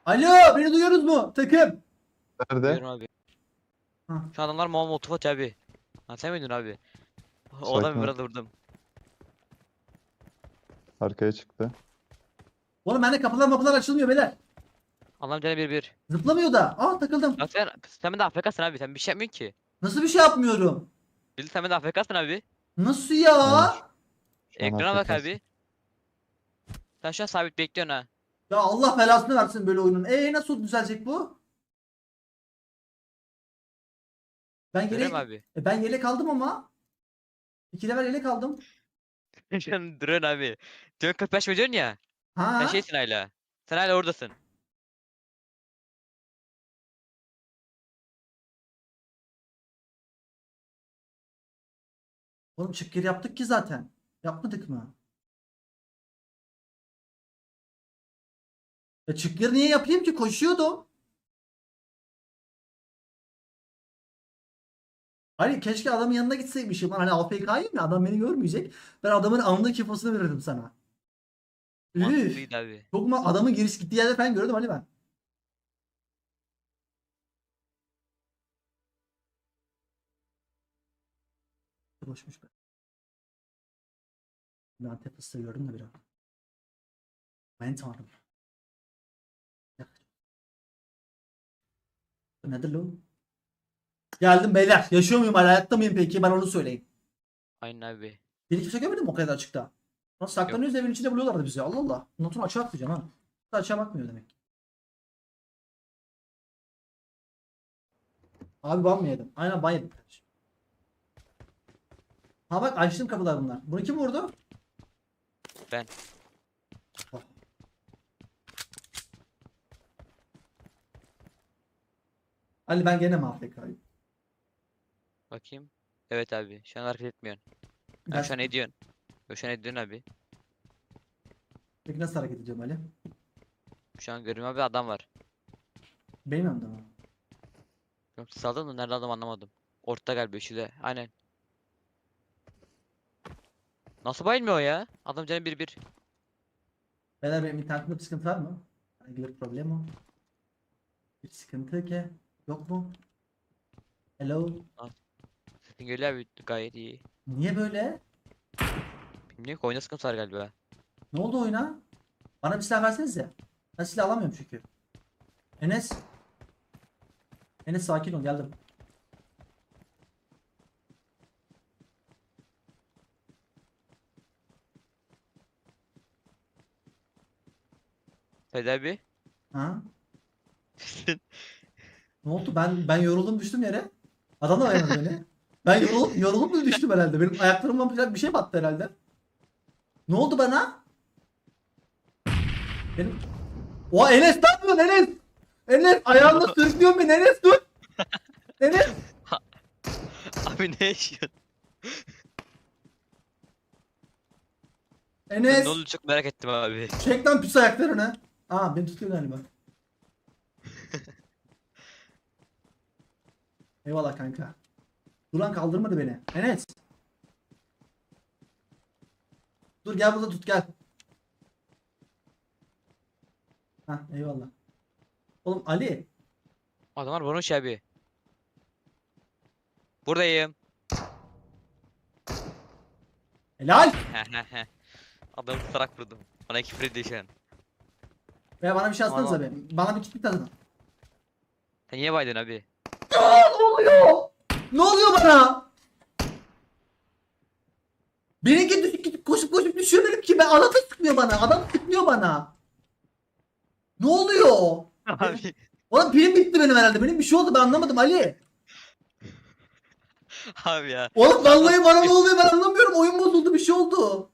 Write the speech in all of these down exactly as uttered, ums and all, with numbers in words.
Alo, beni duyuyoruz mu takım? Nerede? Buyurun abi. Ha. Şu adamlar Muhammed Mutfat abi. Ha sen miydin abi? O Sakin adamı ol. biraz vurdum. Arkaya çıktı. Oğlum bende kapılar mapılar açılmıyor beyler. Allah'ım canı bir bir. Zıplamıyor da. Aa takıldım. Ya sen, sen de A F K'sın abi. Sen bir şey yapmıyorsun ki. Nasıl bir şey yapmıyorum? Bildi sen de A F K'sın abi. Nasıl ya? Aynen şu, şu an Ekrana bak Afrika'sın. abi. Sen şu an sabit bekliyorsun ha. Ya Allah belasını versin böyle oyunun. E nasıl düzelecek bu? Ben Öyle yelek mi abi? e, ben yelek aldım ama. İki level yelek aldım. Şu an duruyorsun abi. Diyorsun kırk beş mi diyorsun ya. Sen Ha? şeysin hala. Sen hala oradasın. Oğlum çık geri yaptık ki zaten. Yapmadık mı? Ya çık geri niye yapayım ki? Koşuyordum. Hani keşke adamın yanına gitseymişim. Lan hani A F K'yim ya, adam beni görmeyecek. Ben adamın anlık infosunu verirdim sana. Üf. Mantıklıydı abi. Çok mu adamın giriş gittiği yerde falan gördüm hani ben. Boşmuş be. Ben Antep fıstığı gördüm de biraz. Ben tanrım. Nedir lan? Geldim beyler. Yaşıyor muyum hala? Hayatta mıyım peki? Ben onu söyleyeyim. Aynen abi. Beni kimse görmedi mi o kadar açıkta? Nasıl saklanıyoruz, evin içinde buluyorlardı bizi. Allah Allah. Notunu açığa atmayacağım ha. Açığa bakmıyor demek. Abi ban mı yedim? Aynen ban yedim kardeşim. Ha bak açtım kapılar bunlar. Bunu kim vurdu? Ben. Oh. Ali ben gene mi A F K'yim? Bakayım. Evet abi. Şu an hareket etmiyorsun. Bir Ha, şu an dakika. ediyorsun. Yo, Şu an ediyorsun abi. Peki nasıl hareket edeceğim Ali? Şu an görüyorum abi adam var. Benim yanımda mı? Yok saldın mı? Nerede adam anlamadım. Ortada galiba şurada. Aynen. Nasıl bayılmıyor o ya? Adam canı bir bir. Beyler benim internetimde bir sıkıntı var mı? Hangi bir problem o? Bir sıkıntı ki. Yok mu? Hello? Sesin geliyor abi gayet iyi. Niye böyle? Bilmiyorum ki oyunda sıkıntı var galiba. Ne oldu oyuna? Bana bir silah versenize. Ben silah alamıyorum çünkü. Enes. Enes sakin ol, geldim. Hadi abi. Ha? Ne oldu? Ben ben yoruldum düştüm yere. Adam da dayanamadı beni. Ben yorulup yorulup mu düştüm herhalde? Benim ayaklarımdan falan bir şey battı herhalde. Ne oldu bana? Benim... Oha Enes ne yapıyorsun Enes? Enes ayağında sürüklüyorsun beni, Enes dur. Enes. Abi ne yaşıyorsun? Sen Enes. ne oldu çok merak ettim abi. Çek lan pis ayaklarını. Aa beni tutuyor galiba. Eyvallah kanka. Duran kaldırmadı beni. Enes. Dur gel burada tut gel. Hah eyvallah. Oğlum Ali. Adamlar vurmuş abi. Buradayım. Helal. Adamı tutarak vurdum. Bana küfür ediyor şu an. Ve bana bir şey atsanıza Vallahi. be. Bana bir kit bir tadına. Sen niye baydın abi? Aa, ne oluyor? Ne oluyor bana? Benimki düşüp gidip koşup koşup düşüyor benimki. Ben adam sıkmıyor bana. Adam sıkmıyor bana. Ne oluyor? Abi. Oğlum pilim bitti benim herhalde. Benim bir şey oldu ben anlamadım Ali. Abi ya. Oğlum Adam vallahi nasıl bana ne sıkıyor? oluyor ben anlamıyorum. Oyun bozuldu, bir şey oldu.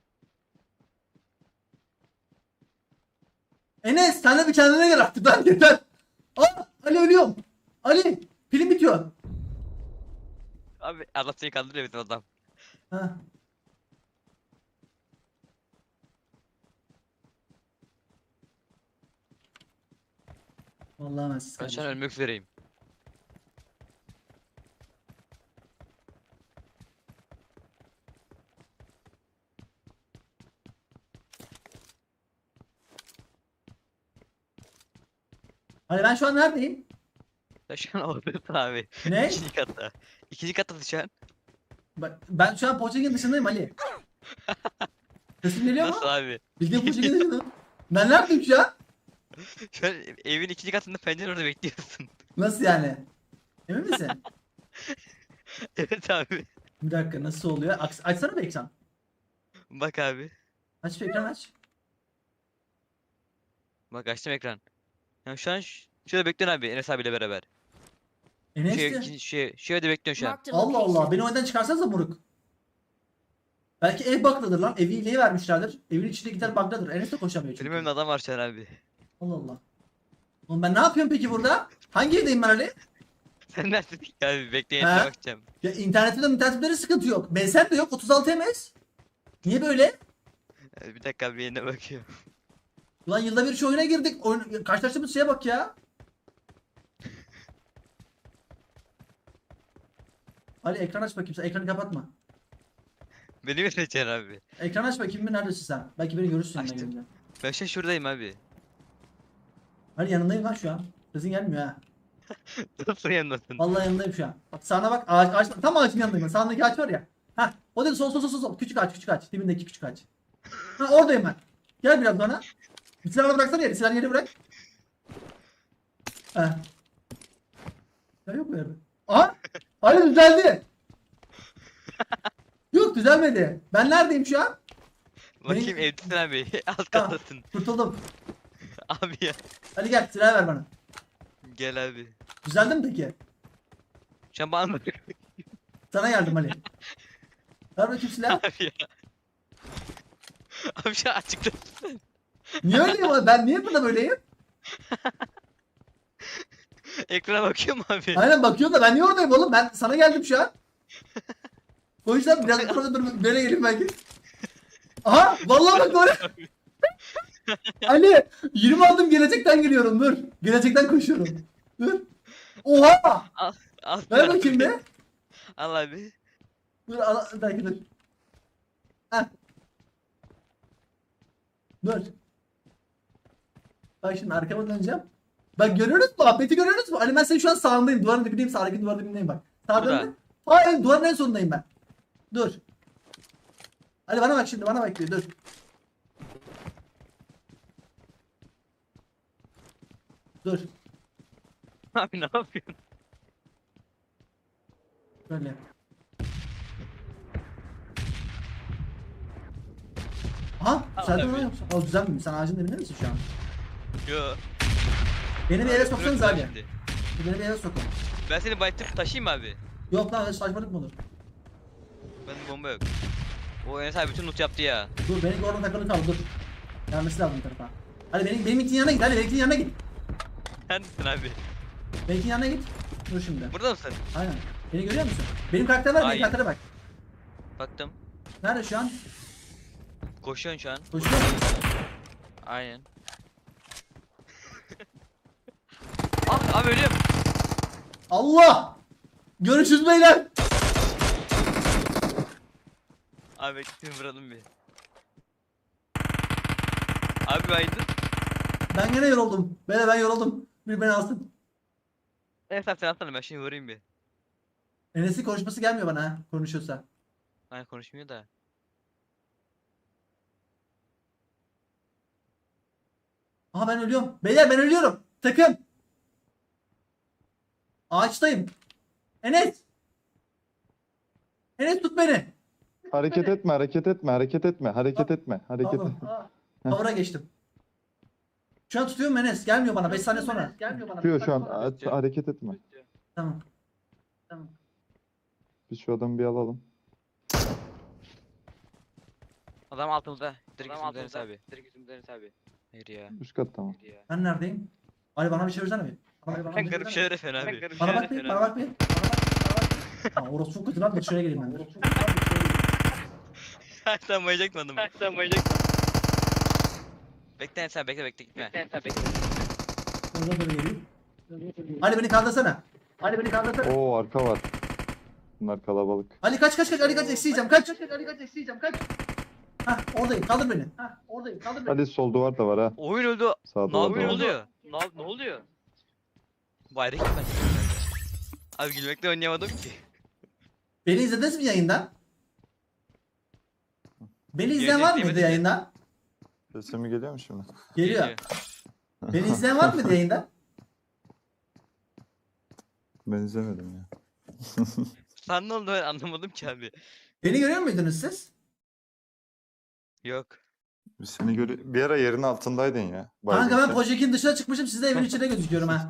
Enes sen de bir kendine gel artık lan yeter. Aa, Ali ölüyorum. Ali pilim bitiyor. Abi Allah seni kandırıyor bizim adam. Ha. Vallahi ben siz Ben şu an kardeşim. ölmek üzereyim. Hani ben şu an neredeyim? Sen şu an oradasın abi. Ne? İkinci katta. İkinci katta şu an. Ben, ben şu an Pochinki'nin dışındayım Ali. Sesim geliyor mu? Nasıl abi? Bildiğin Pochinki'nin dışındayım. Ben neredeyim şu an? Şu an evin ikinci katında pencere orada bekliyorsun. Nasıl yani? Emin misin? Evet abi. Bir dakika nasıl oluyor? Aç, açsana bir ekran. Bak abi. Aç bir ekran aç. Bak açtım ekran. Yani şu an ş- şurada bekliyorsun abi Enes abiyle beraber. Şu, ev, Enes'ti. ikinci- şu, ev- şu evde bekliyorsun şu an. Marked a Allah Allah. location. Beni oyundan çıkarsanıza moruk. Belki ev bug'dadır lan. Evi hileyi vermişlerdir. Evin içinde gider bug'dadır. Enes de koşamıyor çünkü. Benim evimde adam var şu an abi. Allah Allah. Oğlum ben ne yapıyorum peki burada? Hangi evdeyim ben Ali? Sen neredesin ki abi? Bekleyin He? bakacağım. Ya internetimde internetimde sıkıntı yok. M S N de yok. otuz altı M S. Niye böyle? Ee, Bir dakika abi yerine bakıyorum. Ulan yılda bir şu oyuna girdik. Oyun... Karşılaştığımız şeye bak ya. Ali ekran aç bakayım. Sen ekranı kapatma. Beni mi seçeceksin abi? Ekran aç bakayım bir neredesin sen? Belki beni görürsün. ben Açtım. gelince. Ben şu an şuradayım abi. Ali yanındayım lan şu an. Sesin gelmiyor ha. Nasıl yanındasın? Vallahi yanındayım şu an. Bak sağına bak. Ağaç, ağaç, tam ağacın yanındayım. ben. Sağındaki ağaç var ya. Ha, o dedi sol sol sol sol, sol. Küçük ağaç, küçük ağaç. Dibindeki küçük ağaç. Ha, oradayım ben. Gel biraz bana. Silahını bıraksana yere. Silahını yere bırak. Ha. Ya yok mu yerde? Aha! Hayır düzeldi. Yok düzelmedi. Ben neredeyim şu an? Bakayım Benim- evdesin abi. Alt Tamam. kattasın. Kurtuldum. Abi ya. Hadi gel silah ver bana. Gel abi. Düzeldi mi peki? Şu an bana bak Sana geldim Ali. Ver bakayım silah. abi ya. Abi şu an açıkta. Niye öyleyim abi? Ben niye burada böyleyim? Ekrana bakıyor mu abi? Aynen bakıyorum da ben niye oradayım oğlum? Ben sana geldim şu an. O yüzden biraz sonra dur böyle geleyim belki. Aha vallahi bak doğru. Ali yirmi adım gelecekten geliyorum dur. Gelecekten koşuyorum. Dur. Oha! Al Ver abi. bakayım be. Al abi. Dur al, belki dur. Heh. Dur. Bak şimdi arkama döneceğim. Bak görüyoruz mu? Ahmet'i görüyoruz mu? Ali ben senin şu an sağındayım. Duvarın dibindeyim. Sağdaki duvarın dibindeyim bak. Sağ Burada. döndü. Hayır duvarın en sonundayım ben. Dur. Ali bana bak şimdi bana bak diyor dur. Dur. Abi ne yapıyorsun? Böyle. Aha düzeldin lan abi. yoksa. O düzelmiyor. Sen ağacın dibinde misin şu an? Yo. Beni bir eve soksanız Bırak abi. şimdi. Beni bir eve sokun. Ben seni bayıttırıp taşıyayım mı abi? Yok lan öyle saçmalık mı olur? Bende bomba yok. O Enes abi bütün loot yaptı ya. Dur beni orada takılı kal dur. Gelmesi lazım bu tarafa. Hadi benim benim itin yanına git hadi benim itin yanına git. Neredesin abi? Benim itin yanına git. Dur şimdi. Burada mısın? Aynen. Beni görüyor musun? Benim karakter var benim Hayır. karaktere bak. Baktım. Nerede şu an? Koşuyorsun şu an. Koşuyor mu? Aynen. Ah abi ölüyorum. Allah! Görüşürüz beyler. Abi bekleyin vuralım bir. Abi baydın. Ben gene yoruldum. Beyler ben yoruldum. Bir beni alsın. Enes abi sen atsana ben şimdi vurayım bir. Enes'in konuşması gelmiyor bana ha konuşuyorsa. Hayır konuşmuyor da. Aha ben ölüyorum. Beyler ben ölüyorum. Takım. Ağaçtayım. Enes. Enes tut beni. Hareket etme, hareket etme, hareket etme, hareket etme, hareket Tamam. etme. Cover'a geçtim. Şu an tutuyorum Enes. Gelmiyor bana. beş saniye sonra. Gelmiyor bana. Tutuyor şu an, aç- hareket etme. Tamam. Tamam. Biz şu adamı bir alalım. Adam altımızda. Direkt Adam üstümüzde Enes altımızda. abi. Direkt üstümüzde Enes abi. Hayır ya. Üst kat tamam. Hayır ya. Ben neredeyim? Ali bana bir çevirsene bir. Bana, bana, Ben bir garip çevirsene. şeyler efendim abi. garip Bana şeyler bak bir. efendim Bana abi. bak bir. Bana bak bir. Aa, orası çok kötü lan. Dur şuraya geleyim ben. Dur. Sen bayacaktın adamı. Sen mayacak. Bekle Enes abi bekle bekle gitme. Sen sen bekle. Orada böyle geleyim. Ali beni kaldırsana. Ali beni kaldırsana. Oo arka var. Bunlar kalabalık. Ali kaç kaç kaç. Ali kaç eksiyeceğim. Kaç. Ali kaç eksiyeceğim. Kaç. Hah oradayım. Kaldır beni. Hah oradayım. Kaldır beni. Hadi sol duvar da var ha. Oyun öldü. Sağda Ne var yapıyor? da Ne var. oluyor? Ne, ne oluyor? Bayrak ben. Abi gülmekten oynayamadım ki. Beni izlediniz mi yayından? Beni izleyen Yayını var mıydı izleyemedim de. yayından? Sesim mi geliyor mu şimdi? Geliyor. Geliyor. Beni izleyen var mıydı yayından? Ben izlemedim ya. Sen ne oldu ben anlamadım ki abi. Beni görüyor muydunuz siz? Yok. Biz seni görü bir ara yerin altındaydın ya. baygın Kanka ben şey. Pojekin dışına çıkmışım, siz de evin içine gözüküyorum ha.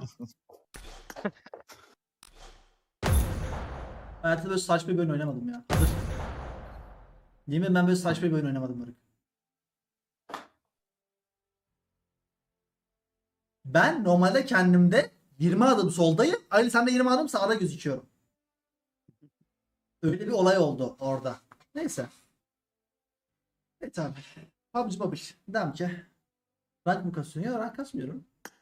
Hayatımda böyle saçma bir oyun oynamadım ya. Hazır. Yemin ederim ben böyle saçma bir oyun oynamadım Barık. Ben normalde kendimde yirmi adım soldayım. Ali sen de yirmi adım sağda gözüküyorum. Öyle bir olay oldu orada. Neyse. Evet abi. Pubg Mobile. Dedim ki. Rank mı kasıyorsun? Ya rank kasmıyorum.